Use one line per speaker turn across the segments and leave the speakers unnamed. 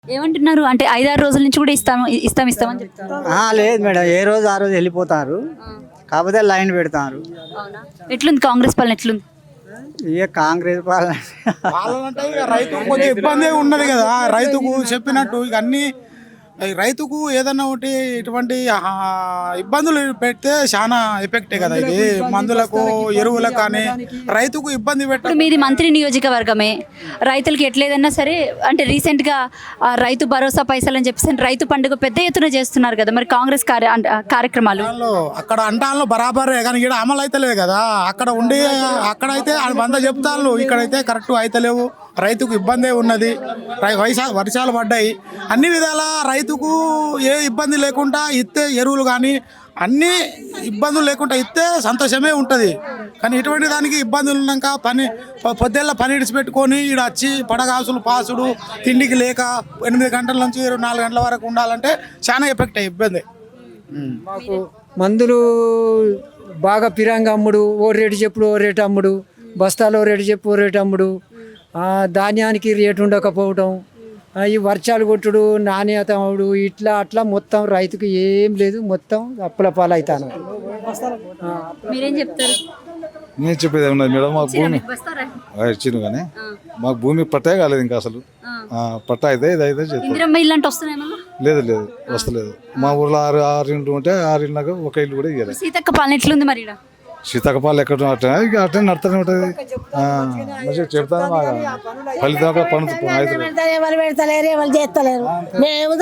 ఏమంటున్నారు అంటే 5-6 రోజుల నుంచి కూడా ఇస్తామని చెప్తారు.
లేదు మేడం, ఏ రోజు ఆ రోజు వెళ్ళిపోతారు, కాకపోతే లైన్ పెడతారు.
అవునా? ఎట్లుంది కాంగ్రెస్ పాలన ఎట్లుంది?
ఇక కాంగ్రెస్ పాలన
అంటే ఇక రైతుకు కొంచెం ఇబ్బంది ఉన్నది కదా. రైతుకు చెప్పినట్టు ఇక అన్ని రైతుకు ఏదన్నా ఒకటి ఇటువంటి ఇబ్బందులు పెడితే చాలా ఎఫెక్టే కదా. ఇది మందులకు ఎరువులకు కానీ రైతుకు ఇబ్బంది
ఇప్పుడు మీది మంత్రి నియోజకవర్గమే, రైతులకి ఎట్లేదన్నా సరే అంటే రీసెంట్గా రైతు భరోసా పైసలు అని చెప్పేసి రైతు పండుగ పెద్ద ఎత్తున చేస్తున్నారు కదా, మరి కాంగ్రెస్ కార్యక్రమాలు
అక్కడ అంటాను బరాబరే, కానీ ఇక్కడ అమలు అయితలేదు కదా. అక్కడ ఉండి అక్కడైతే 100 చెప్తాను, ఇక్కడైతే కరెక్ట్ అయితలేవు. రైతుకు ఇబ్బందే ఉన్నది. వర్షాలు పడ్డాయి, అన్ని విధాల రైతుకు ఏ ఇబ్బంది లేకుండా ఇస్తే ఎరువులు కానీ అన్ని ఇబ్బందులు లేకుండా ఇస్తే సంతోషమే ఉంటుంది. కానీ ఇటువంటి దానికి ఇబ్బందులు ఉన్నాక పొద్దున్న పని ఇడిచిపెట్టుకొని ఈడ వచ్చి పడగాసులు పాసుడు తిండికి లేక 8 గంటల నుంచి 4 గంటల వరకు ఉండాలంటే చాలా ఎఫెక్ట్ అయ్యి ఇబ్బంది.
మాకు మందులు బాగా పిరంగా అమ్ముడు, ఓ రేటు చెప్పుడు ఓ రేటు అమ్ముడు, బస్తాలో రేటు చెప్పు ఓ రేటు అమ్ముడు, ధాన్యానికి రేటు ఉండకపోవటం, ఈ వర్షాలు కొట్టుడు నాణ్యత అమ్ముడు, ఇట్లా అట్లా మొత్తం రైతుకు ఏం లేదు, మొత్తం అప్పుల పాలవుతాను.
మీరేం చెప్తారు?
నేను చెప్పేది ఏమన్నది మేడం, మాకు భూమి ఇచ్చింది కానీ మాకు భూమి పట్టే కాలేదు ఇంకా అసలు. పట్టా అయితే ఇదైతే లేదు లేదు వస్తలేదు. మా ఊర్లో 6 ఇండ్లు ఉంటే 6 ఇళ్ళకు ఒక ఇల్లు కూడా ఇవ్వలేదు.
సీతక్క పాలన ఎట్లుంది మరి?
సీతకపాలు ఎక్కడ అట్టే నడుతూనే ఉంటుంది. మంచిగా చెప్తాను, ఫలితం
ఎవరు పెడతలేరు, ఎవరు చేస్తలేరు. మేము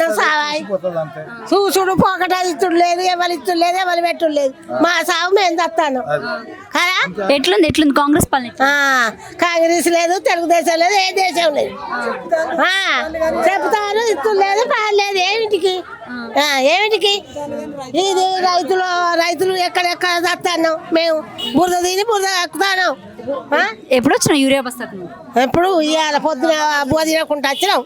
చూసుడు పోకట ఇచ్చుడు లేదు, ఎవరు ఇచ్చుడు లేదు, ఎవరు పెట్టుడు లేదు. మా సాగు మేము చస్తాను కదా.
ఎట్లుంది కాంగ్రెస్ పాలన?
కాంగ్రెస్ లేదు, తెలుగుదేశం లేదు, ఏ దేశం లేదు. చెప్తారు ఇచ్చుడు లేదు, పాలేదు. ఏమిటికి ఇది రైతులు ఎక్కడెక్కడ చస్తాను మేము. బురద తిని బురద ఎక్కుతాను.
ఎప్పుడు వచ్చినా యూరియా బస్తాకు?
ఎప్పుడు ఇవాళ పొద్దున బువ తినకుండా వచ్చినాం.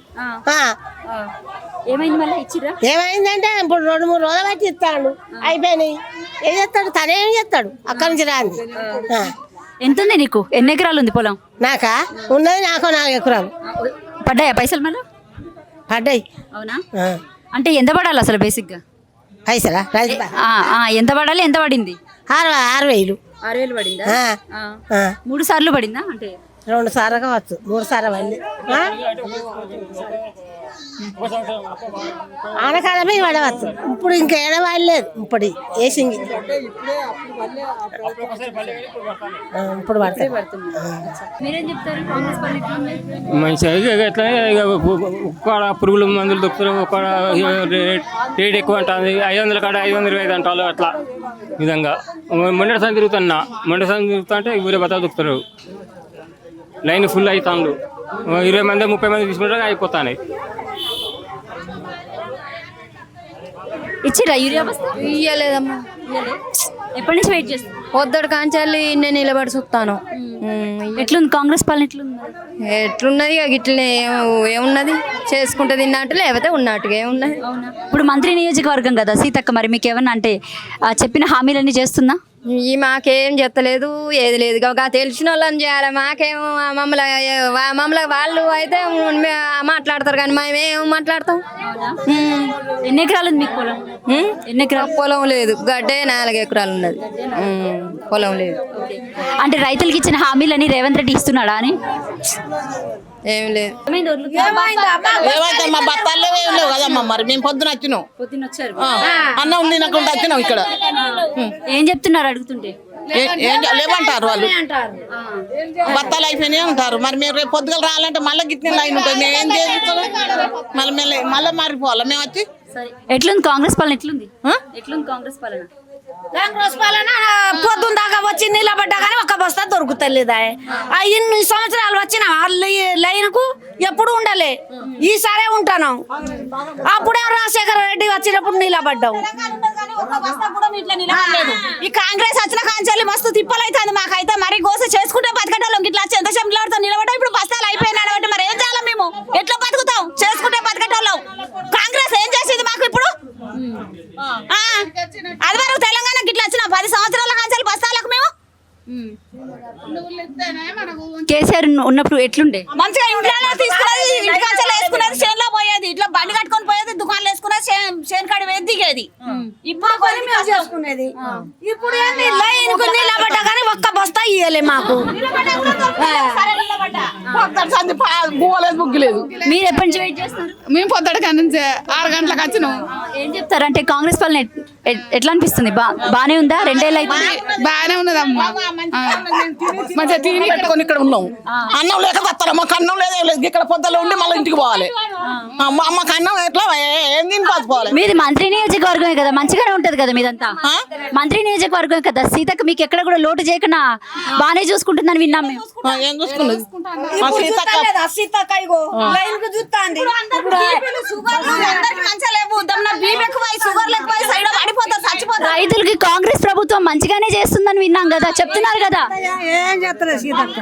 ఏమైందంటే ఇప్పుడు 2-3 రోజులు బట్టి ఇస్తాడు, అయిపోయినాయి. ఏం చేస్తాడు తనేం చేస్తాడు, అక్కడి నుంచి రాంది.
ఎంత ఉంది నీకు? ఎన్ని ఎకరాలు ఉంది పొలం?
నాకా ఉన్నది, నాకు 4 ఎకరాలు.
పడ్డాయా పైసలు? మళ్ళీ
పడ్డాయి.
అవునా? అంటే ఎంత పడాలి అసలు బేసిక్గా
పైసలా?
ఎంత పడాలి? ఎంత పడింది?
6,000.
6,000 పడిందా? 3 సార్లు పడిందా? అంటే
2 సార్లు కావచ్చు, 3 సార్లు పడింది. ఆనకాడమే పడవచ్చు. ఇప్పుడు ఇంకా ఏడవాలేదు, ఇప్పుడు వేసింది. ఇప్పుడు పడతాయి.
మీరేం చెప్తారు?
మంచిగా ఎట్లా పురుగుల మందులు దొరుకుతారు, ఒక రేట్ ఎక్కువ అంటుంది. 500 కాడ 525 అంటారు. అట్లా విధంగా మొండటి సంది తిరుగుతున్నా, మొండటి సంది తిరుగుతా అంటే ఊరే బతాలు దొరుకుతారు. లైన్ ఫుల్ అవుతాను. 20 మంది 30 మంది తీసుకుంటారు, అయిపోతాయి.
ఇచ్చిరా యూరియా బస్తా?
ఇయ్యలేదమ్మా.
ఎప్పటి నుంచి వెయిట్ చేస్తాను?
పొద్దుడు కాంచాలి నేను నిలబడి చూస్తాను.
ఎట్లుంది కాంగ్రెస్ పాలన?
ఎట్లున్నది ఇట్లనే ఏమున్నది, చేసుకుంటే తిన్నట్టు లేకపోతే ఉన్నట్టుగా ఏమున్నది.
ఇప్పుడు మంత్రి నియోజకవర్గం కదా సీతక్క, మరి మీకు ఏమన్నా అంటే చెప్పిన హామీలన్నీ చేస్తుందా?
మాకేం చెత్తలేదు, ఏది లేదు. తెలిసిన వాళ్ళని చేయాలి. మాకేమో మమ్మల్ని వాళ్ళు అయితే మాట్లాడతారు, కానీ మేమేం మాట్లాడతాం.
ఎన్ని ఎకరాలు ఉంది మీకు పొలం? ఎన్ని ఎకరాలు?
పొలం లేదు, గడ్డే 4 ఎకరాలు ఉన్నది. పొలం లేదు.
అంటే రైతులకి ఇచ్చిన హామీలని రేవంత్ రెడ్డి ఇస్తున్నాడా అని?
ఏం లేదు.
మా బత్తాల్లో ఏం లేవు కదమ్మా. మరి మేము పొద్దున వచ్చినాం, అన్నం తినకుండా వచ్చినాం. ఇక్కడ
ఏం చెప్తున్నారు అడుగుతుంటే?
లేవంటారు వాళ్ళు, బత్తాలు అయిపోయినాయి అంటారు. మరి మీరు రేపు పొద్దుగల రావాలంటే మళ్ళీ గిట్టిన లైన్ ఉంటుంది. మేము ఏం చేస్తాం? మళ్ళీ మారిపోవాలి మేము వచ్చి.
ఎట్లుంది కాంగ్రెస్ పాలన? ఎట్లుంది కాంగ్రెస్ పాలన?
కాంగ్రెస్ పాలన పొద్దున్న దాకా వచ్చి నిలబడ్డా కానీ ఒక బస్తా దొరుకుతలేదా? ఇన్ని సంవత్సరాలు వచ్చిన లైన్ కు ఎప్పుడు ఉండలే, ఈసారే ఉంటాను. అప్పుడే రాజశేఖర రెడ్డి వచ్చినప్పుడు నిలబడ్డాం. ఈ కాంగ్రెస్ వచ్చిన కాంచాలి మస్తు తిప్పలైతుంది మాకైతే. మరి గోస చేసుకుంటే బతకటోళ్ళం ఇట్లా ఎంతసేపు నిలబడతాం. ఇప్పుడు బస్తాలు అయిపోయినాడు అంటే మరి ఏం చేయాలి మేము? ఎట్లా బతుకుతాం? చేసుకుంటే బతకటోళ్ళం. కాంగ్రెస్ ఏం చేసింది మాకు ఇప్పుడు? అది వరకు తెలంగాణకి ఇట్లా వచ్చిన 10 సంవత్సరాల కాంచాలి బస్తాలకు మేము.
కేసీఆర్ ఉన్నప్పుడు ఎట్లుండే?
మంచిగా ఇంట్లో తీసుకున్నది, ఇంటికి వేసుకున్నది, చేనులో పోయేది. బండి కట్టుకొని పోయేది, దుకాణాలు వేసుకునేది, చేను కాడి వేది దిగేది. ఇప్పుడు కొని మేము చేసుకునేది. ఇప్పుడు ఏంది లైన్ కు నిలబడ్డా కానీ ఒక్క బస్తా ఇయ్యలే మాకు.
పోలేదు బుగ్గులేదు.
మీరు ఎప్పటి నుంచి వెయిట్ చేస్తారు?
మేము పొద్దుట కానీ 6 గంటలకు వచ్చినాం.
ఏం చెప్తారు అంటే కాంగ్రెస్ పాలన ఎట్లా అనిపిస్తుంది? బానే ఉందా? 2 ఏళ్ళు అయితే
బాగానే ఉన్నదమ్మా, మంచిగా తిని ఇక్కడ ఉన్నాం. అన్నం లేక వస్తారా? మాకు అన్నం లేదు, ఇక్కడ పొద్దులో ఉండి మళ్ళీ ఇంటికి పోవాలి. మాకు అన్నం ఎట్లా ఏం తిని పోవాలి.
మీది మంత్రి నియోజకవర్గమే కదా, మంచిగానే ఉంటది కదా మీదంతా. మంత్రి నియోజకవర్గమే కదా, సీతకు మీకు ఎక్కడ కూడా లోటు చేయకుండా బానే చూసుకుంటుందని విన్నాం మేము.
ఏం చూసుకున్నది
సీతక్క ఇగో లైన్ కు చూస్తాంది. మంచిగా లేవు, బీపీ ఎక్కువ, షుగర్ ఎక్కువ, సైడ్ పడిపోతారు, చచ్చిపోతారు.
రైతులకి కాంగ్రెస్ ప్రభుత్వం మంచిగానే చేస్తుందని విన్నాం కదా, చెప్తున్నారు కదా.
ఏం చేస్తారు సీతక్క?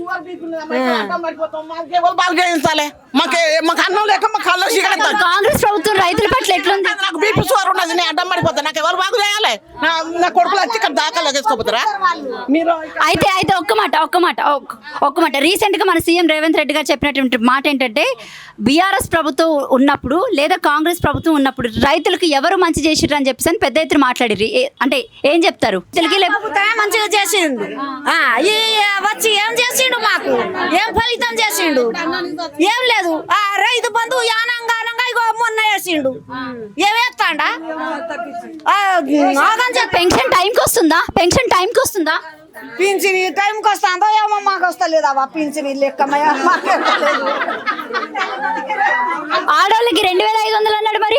బాగా చేయించాలి. మాకు అన్నం లేక మాకు కళ్ళు చీకడతారు.
కాంగ్రెస్ ప్రభుత్వం రైతుల పట్ల ఎట్లుంది?
నాకు బీపీ షుగర్ ఉన్నది, నేను అడ్డం పడిపోతాను. నాకు ఎవరు బాగు చేయాలి? నా కొడుకులు వచ్చి ఇక్కడ దాఖలు చేసుకోపోతారా మీరు?
అయితే ఒక్క మాట రీసెంట్ గా మన సీఎం రేవంత్ రెడ్డి గారు చెప్పినటువంటి మాట ఏంటంటే, బీఆర్ఎస్ ప్రభుత్వం ఉన్నప్పుడు లేదా కాంగ్రెస్ ప్రభుత్వం ఉన్నప్పుడు రైతులకు ఎవరు మంచి చేసిర్రు అని చెప్పేసి పెద్ద ఎత్తున మాట్లాడిర్రు. అంటే ఏం చెప్తారు?
మంచిగా చేసిండు. వచ్చి ఏం చేసిండు? మాకు ఏం ఫలితం చేసిండు? ఏం లేదు. రైతు బంధు యానంగానంగా ఇగో మొన్న వేసిండు. ఏమేస్తాడా?
పెన్షన్ టైంకి వస్తుందా? పెన్షన్ టైంకి వస్తుందా?
పింఛని టైంకి వస్తుందో ఏమో, మాకు వస్తలేదా పింఛని లెక్క.
ఆడవాళ్ళకి 2500 అన్నాడు మరి.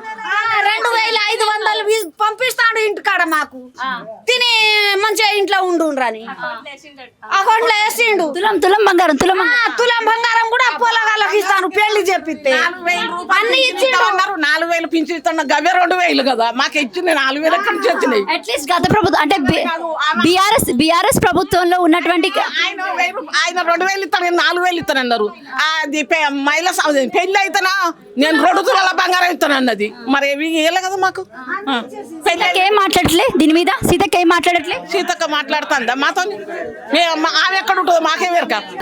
2500 పంపిస్తాడు ఇంటికాడ మాకు. తిని మంచిగా ఇంట్లో ఉండుండ్రని అకౌంట్లో వేసిండు.
తులం బంగారం
తులం బంగారం కూడా పొలగాళ్ళకి ఇస్తాను పెళ్లి చెప్పిస్తే. అన్ని ఇచ్చిండు.
4000 పింఛన్ ఇస్తున్నా, గవే 2000 కదా మాకు ఇచ్చింది. 4000 ఎక్కడి నుంచి వచ్చినాయి?
అట్లీస్ట్ గత ప్రభుత్వం అంటే బీఆర్ఎస్ ప్రభుత్వంలో ఉన్నటువంటి
ఆయన 2000 ఇస్తాను, 4000 ఇస్తాను అన్నారు. అది మహిళా పెళ్లి అయితేనా నేను 2 తులాల బంగారం ఇస్తాను అన్నది. మరి ఇవ్వలే కదా మాకు.
ఏం మాట్లాడట్లే దీని మీద? సీతక్క ఏం మాట్లాడట్లే?
సీతక్క మాట్లాడుతుందా మాతో? ఆమె ఎక్కడ ఉంటుందో మాకే వేరక.